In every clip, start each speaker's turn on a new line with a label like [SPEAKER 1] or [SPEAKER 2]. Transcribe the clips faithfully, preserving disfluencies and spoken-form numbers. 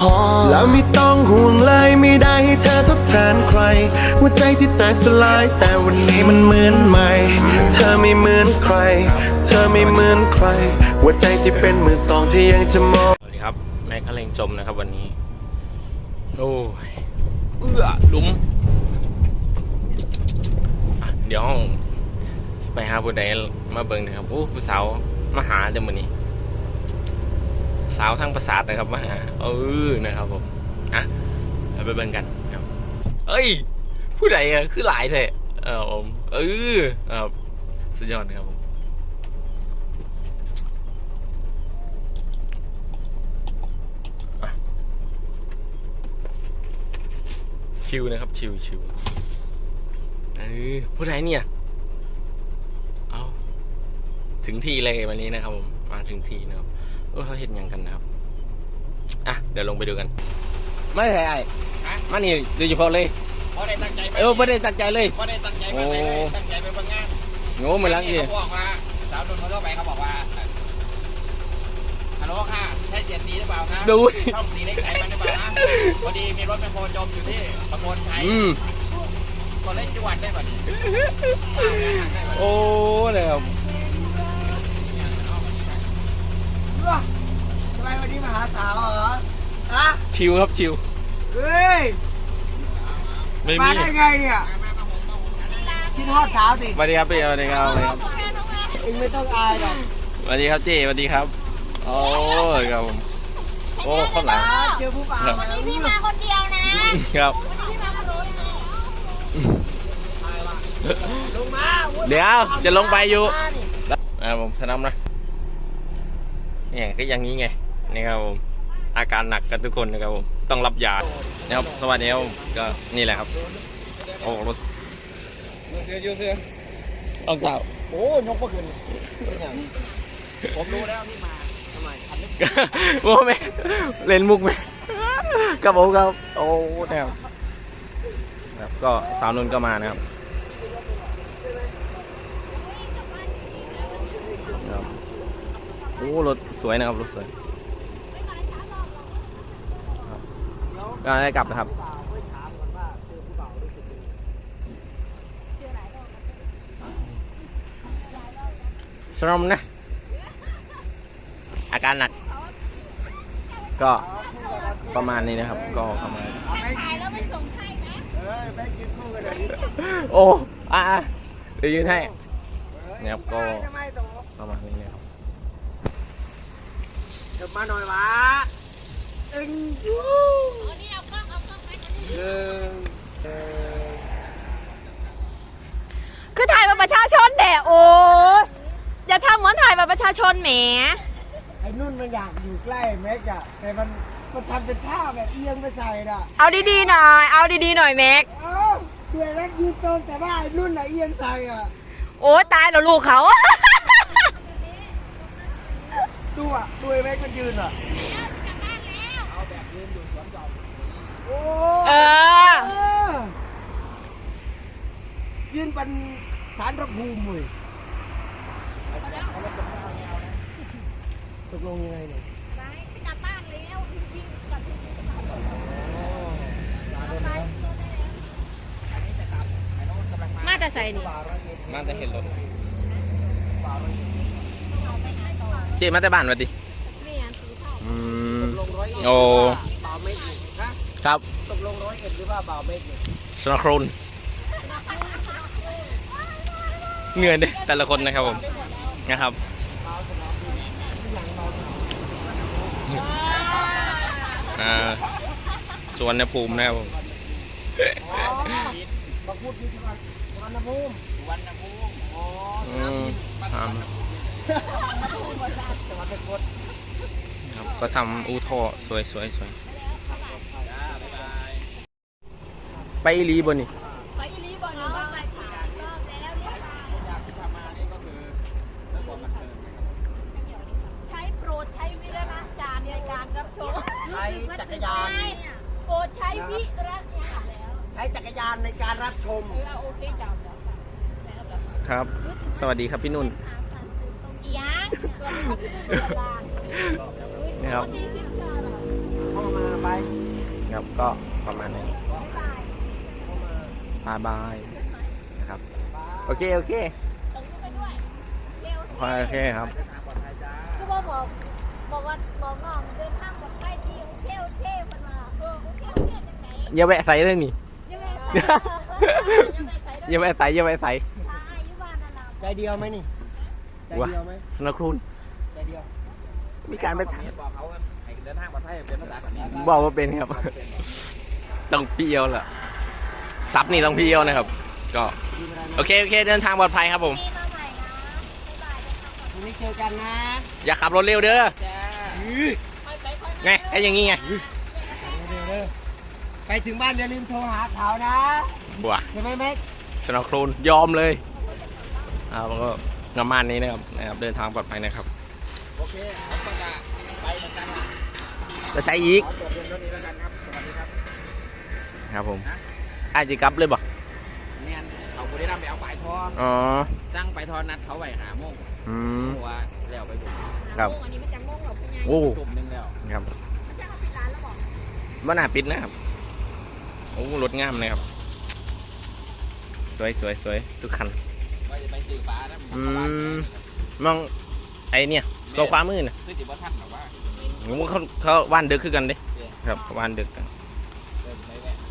[SPEAKER 1] แล้วไม่ต้องห่วงเลยไม่ได้ให้เธอทดแทนใครหัวใจที่แตกสลายแต่วันนี้มันเหมือนใหม่เธอไม่เหมือนใครเธอไม่เหมือนใครหัวใจที่เป็นมือสองที่ยังจะมอง
[SPEAKER 2] สวัสดีครับแม็กซ์เลงจมนะครับวันนี้โอ้ยเอื้อหลุมเดี๋ยวห้องไปหาผู้ใดมาเบิ่งนะครับโอ้ผู้สาวมาหาเดี๋ยวมื้อนี้สาวทั้งประสาทนะครับมาหาเออนะครับผมอ่ะเราไปเบิ่งกันครับเอ้ยผู้ใดอะคือหลายแท้เออผมเออครับสุดยอดนะครับผมชิวนะครับชิวชิวเออผู้ใดเนี่ยเอาถึงที่เลยวันนี้นะครับผมมาถึงที่นะครับเออเขาเห็นยังกันนะครับอ่ะเดี๋ยวลงไปดูกันไม่ใช่ไอ้มานี่โดยเฉพาะเลย
[SPEAKER 3] พอได้ตั้งใจไป
[SPEAKER 2] เออไม่ได้ตั้งใจเลย
[SPEAKER 3] พอได้ตั้งใจไปเลยตั้งใจไปบางงาน
[SPEAKER 2] โง่เหมือนลังอี
[SPEAKER 3] เขาบอกว่าสาวนุ่นเขาเข้าไปเขาบอกว่าฮัลโหลค่ะใช่เสียตีหรือเปล่าคะ
[SPEAKER 2] ดู
[SPEAKER 3] ช่องตีเล็กไขมันหรือเปล่านะพอดีมีรถแมคโครจมอยู่ที่ตะโกนไทยก็เล่นจังหวัดได้แบบนี้
[SPEAKER 2] โอ้เนี่ยครับ
[SPEAKER 3] ทำไมวันนี้มาหาสาวเหรอฮะ
[SPEAKER 2] ชิวครับชิว
[SPEAKER 3] เฮ้ยมาได้ไงเนี่ยคิดฮอดสาวสิ
[SPEAKER 2] สวัสดีครับพี่สวัสดีครับสวัสดีครับ
[SPEAKER 3] เองไม่ต้องอายหรอก
[SPEAKER 2] สวัสดีครับเจ้สวัสดีครับโอ้ยครับผมโอ้ข้างหลัง
[SPEAKER 3] เจอผู้บ่าว
[SPEAKER 4] วันนี้พี่มาคนเดียวนะครับพี่มาคนเดียว
[SPEAKER 3] ลงมา
[SPEAKER 2] เดี๋ยวจะลงไปอยู่อ่าผมสนำนะเนี่ยก็อย่างนี้ไงนี่ครับผมอาการหนักกันทุกคนนะครับผมต้องรับยานะครับสวัสดีครับก็นี่แหละครับโอ้รถ
[SPEAKER 3] เสือยูเสือ
[SPEAKER 2] ต้องเท้า
[SPEAKER 3] โอ้ยกเมื่อคืนผมรู้แล้วที่มาทำไมคันนี้
[SPEAKER 2] โอ้แม่เล่นมุกไหมครับผมครับโอ้แนวครับก็สาวนุ่นก็มานะครับโอ้รถสวยนะครับรถสวยก็ได้กลับนะครับสรมนะอาการหนักก็ประมาณนี้นะครับก็ประมาณโอ้อ่ะเดี๋ยวยืนให้นะครับก็ประมาณนี้นะครับ
[SPEAKER 3] เดี๋ยวมาหน่อยวะเอ็งยู
[SPEAKER 4] คือถ่ายบัตรประชาชนแด่โอ้อย่าทำเหมือนถ่ายบัตรประชาชนแหม
[SPEAKER 3] ไอ้นุ่นมันอยากอยู่ใกล้แม็กอะแต่มันมันทำเป็นท่าแบบเอียงไปใส่น่ะ
[SPEAKER 4] เอาดีๆหน่อยเอาดีๆหน่อยแม็ก
[SPEAKER 3] เออด้วยแม็กยืนตรงแต่ว่าไอ้นุ่นอะเอียงใส่อะ
[SPEAKER 4] โอ้ตายแล้วลูกเขา
[SPEAKER 3] ดูอะดูไอ้แม็กมันยืนอะเอาแบบยืนอยู่สวนจอมโอ้
[SPEAKER 4] เออ
[SPEAKER 3] ยืนเป็นสารพระภูมิเลยตกลงยังไงเนี่ย
[SPEAKER 4] ไปกลับบ้านแล้วจริงๆกลับที่มาแต่ใส่นี่
[SPEAKER 2] มาแต่เห็นรถเจ๊มาแต่บ้านวะดิอืมโอ้ครับ
[SPEAKER 3] ตกลงร้อยเอ็ดหรือว่าบ่าวเมฆ
[SPEAKER 2] สนครุนเหนื่อยเลยแต่ละคนนะครับผมนะครับอ่าสวนภูมินะครับผม
[SPEAKER 3] มาพูดที่สวนภูมิสวนภูมิอ๋อ
[SPEAKER 2] อืมครับก็ทำอูท่อสวยสวยสวยไปอีลีบนนี่
[SPEAKER 4] ไปอีลีบนนี่บ้างไหมคะรอบแล้วเนี่ย
[SPEAKER 3] อยากทำมานี่ก็คือเรื่องความบันเทิง
[SPEAKER 4] ใช้โปรดใช้วิจารณญาณในการรับชม
[SPEAKER 3] ใช้จักรยาน
[SPEAKER 4] โปรดใช้วิจารณญาณแล้ว
[SPEAKER 3] ใช้จักรยานในการรับชม
[SPEAKER 4] โอเคจ้า
[SPEAKER 2] ครับสวัสดีครับพี่นุ่น
[SPEAKER 4] ยังสวัสดีครับ
[SPEAKER 2] นะครับ
[SPEAKER 3] เข้ามาไป
[SPEAKER 2] ครับก็ประมาณนี้บายบายนะครับโอเคโอเคโอเคครับ
[SPEAKER 5] คือบอกบอกบอกว่าบอกน้องเดินทางปลอดภัยดีโอเคโอเคคนมาเออโอเคโอเคจังไหน
[SPEAKER 2] อย่าแวะใส่เลยนี่
[SPEAKER 5] ยังไงยังไงใส่
[SPEAKER 2] อย่าแวะใส่อย่าแวะใส่
[SPEAKER 5] ถ้าอายุบ้านนั่นล่ะ
[SPEAKER 3] ใจเดียวไหมนี่ใจเดียวไหม
[SPEAKER 2] สนครูน
[SPEAKER 3] ใจเดียว
[SPEAKER 2] มีการไป
[SPEAKER 3] บอกเขาว่าให้เดินทางปลอดภัยเป็นภาษาเขมร
[SPEAKER 2] บอกว่าเป็นครับ ต้องพี่เอียวแหละซับนี่ต้องพี่เอียวนะครับ ก็โอเคโอเคเดินทางปลอดภัยครับผม
[SPEAKER 5] มีมาใหม่นะบ๊ายบายนะคะ
[SPEAKER 3] พรุ่งนี้เจอกันนะ
[SPEAKER 2] อย่าขับรถเร็วเด้อ
[SPEAKER 3] จ้า
[SPEAKER 2] ไงไอ้อย่างงี้ไง
[SPEAKER 3] ไปถึงบ้านอย่าลืมโทรหาเขานะ
[SPEAKER 2] บัว
[SPEAKER 3] ใช่ไหมแม็ก
[SPEAKER 2] สนครูนยอมเลยอ่าแล้วก็ประมาณนี้นะครับนะครับ เดินทางปลอดภัยนะครับ
[SPEAKER 3] โอเคผมก็จะไปเหมือนกันนะ
[SPEAKER 2] ไปใส่อีก
[SPEAKER 3] ขอจบเพียงเท่านี้แล้วกันครับสวัสดีครับ
[SPEAKER 2] ครับผมอาจจะกลับเลยบ่
[SPEAKER 3] แมนเขาบุรีรัมย์ไปเอาปลายทอ
[SPEAKER 2] อ๋อ
[SPEAKER 3] สั่งปลายทอนัดเขาไว้หาโมง
[SPEAKER 2] อืม
[SPEAKER 3] หัวแล้วไปบุก
[SPEAKER 2] ครับ
[SPEAKER 5] อันนี้มันจะม่วงหรอพี่ไง
[SPEAKER 2] โอ้
[SPEAKER 3] ตุ่มหนึงแล้ว
[SPEAKER 2] ครับ
[SPEAKER 5] ไม่ใช่เขาปิดร้านแล้วบอก
[SPEAKER 2] บ้านหน้าปิดนะครับโอ้รถงามเลยครับ สวยสวยสวยทุกคัน
[SPEAKER 3] ว่าจะไปสื่อปลานะ
[SPEAKER 2] อืม มองไอเนี่ยตัวความมือน่ะ
[SPEAKER 3] คือติบทันหรอว่า
[SPEAKER 2] ผมว่าเขาเขาว่านดึกคือกันเด้ครับเขาว่านดึกกัน
[SPEAKER 3] เดินไปแวะ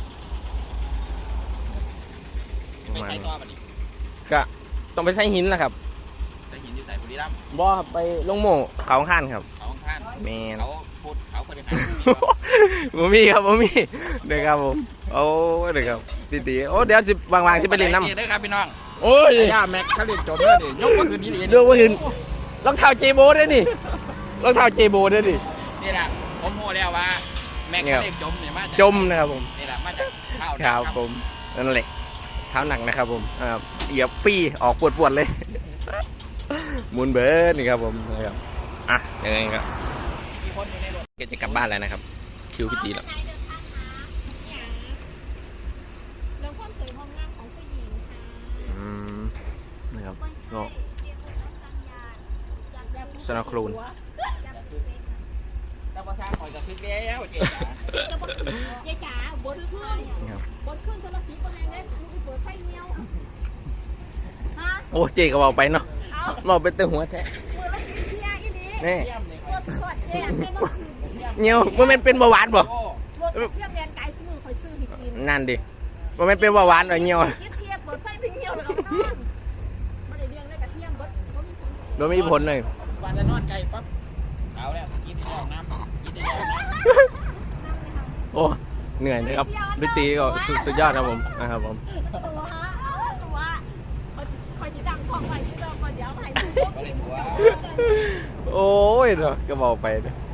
[SPEAKER 2] ประ
[SPEAKER 3] ไป
[SPEAKER 2] มาณ
[SPEAKER 3] ใส่
[SPEAKER 2] นี้
[SPEAKER 3] ตัวมาดิ
[SPEAKER 2] ก็ต้องไปใส่หินแหละครับ
[SPEAKER 3] ใส่หินอยู่ใส่บุรีรัมย์
[SPEAKER 2] บ่ครับไปลงโม่เขาข้านครับ
[SPEAKER 3] เขาข้าง
[SPEAKER 2] แมน
[SPEAKER 3] เขาพูดเขาคนเดียวกัน
[SPEAKER 2] ผมมีครับผมมีเดี๋ยวครับผมโอ้เดี๋ยวครับตีตีโอ้เดี๋ยวสิวางๆสิไปเล่นน้ำ
[SPEAKER 3] เด้อครับพี่น้อง
[SPEAKER 2] โอ้ย
[SPEAKER 3] ย่าแม็กเขาเรียนจบแล้วนี่ยกมาคืนนี้เลย
[SPEAKER 2] เรื่องว่าคืนรองเท้าเจโบด้วยนี่รองเท้าเจโบด้วยนี่
[SPEAKER 3] นี่แหละผมโม่แล้วว่าแม็กเขาเรียนจมเนี่ยมาจาก
[SPEAKER 2] จมนะครับผม
[SPEAKER 3] นี่แหละมาจากข้าว
[SPEAKER 2] ครับผมนั่นแหละเท้าหนักนะครับผมอ่าเหยียบฟรีออกปวดๆเลย หมุนเบิร์ดนี่ครับผมนะครับอ่ะยังไงครับ
[SPEAKER 3] มีคนอยู่ในรถ
[SPEAKER 2] ก็จะกลับบ้านแล้วนะครับ คิวพี่ตีแล้ว
[SPEAKER 5] เดินทางหาอย่างเรื่องความสวยความงามของผู้หญิงค่ะ
[SPEAKER 2] อืมนะครับ
[SPEAKER 5] ไม่ใช่
[SPEAKER 2] ก็
[SPEAKER 5] เรียกว่าสัญญาณอยากแบบ
[SPEAKER 2] สนาครูน
[SPEAKER 5] อยากเป็น
[SPEAKER 3] แต่ภาษาคอยจะคึกแล้วเจ๊จ๋า
[SPEAKER 5] จะบอกยายจ๋าบนเครื่อง
[SPEAKER 2] ครับ
[SPEAKER 5] บนเครื่องโทรศัพท์คนแรงได้มึงไปเปิดไฟเงี้ยวฮะ
[SPEAKER 2] โอ้เจก็บอกไปเนาะ
[SPEAKER 5] เอา
[SPEAKER 2] บอกไปเต็มหัวแท้
[SPEAKER 5] เปิดรถสิเทียอีนี้
[SPEAKER 2] นี่
[SPEAKER 5] ตัวสดๆแดงแม่เมื่อคืน
[SPEAKER 2] เงี้ยวมันเป็นเป็นเบาหวานบ่
[SPEAKER 5] รถเทียมแดงไก่สมือคอยซื้อให้กิน
[SPEAKER 2] นั่นดิมันเป็นเป็นเบาหวานเหรอเงี้ยว
[SPEAKER 5] สิเทียเปิดไฟพิงเงี้ยวแล้วก็นอนไม่ได้เลี้ยงได้กระเทียมเบิดบ่มีผล
[SPEAKER 2] โดยไม่มีผลเลย
[SPEAKER 3] วันจะนอนไกลปั๊บเอาแล้วกินที่ห้องน้ำกินที่ห้องน้
[SPEAKER 2] โอ้เหนื่อยนะครับพี่ตีก็สุดสุดยอดครับผมนะครับผม
[SPEAKER 5] ตัวตัวคอยจะดังของไปที่เราก่อนเดี๋ยวให้ดู
[SPEAKER 3] ำก็เลยหัว
[SPEAKER 2] โอ้ยเนาะก็บอกไปเนอะ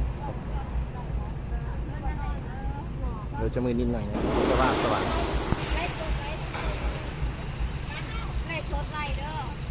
[SPEAKER 2] เดี๋ยวจะมือนิดหน่อยนะสว่างสว่าง
[SPEAKER 5] ไล่ตัวไล่ไล่ตัวไล่เด้อ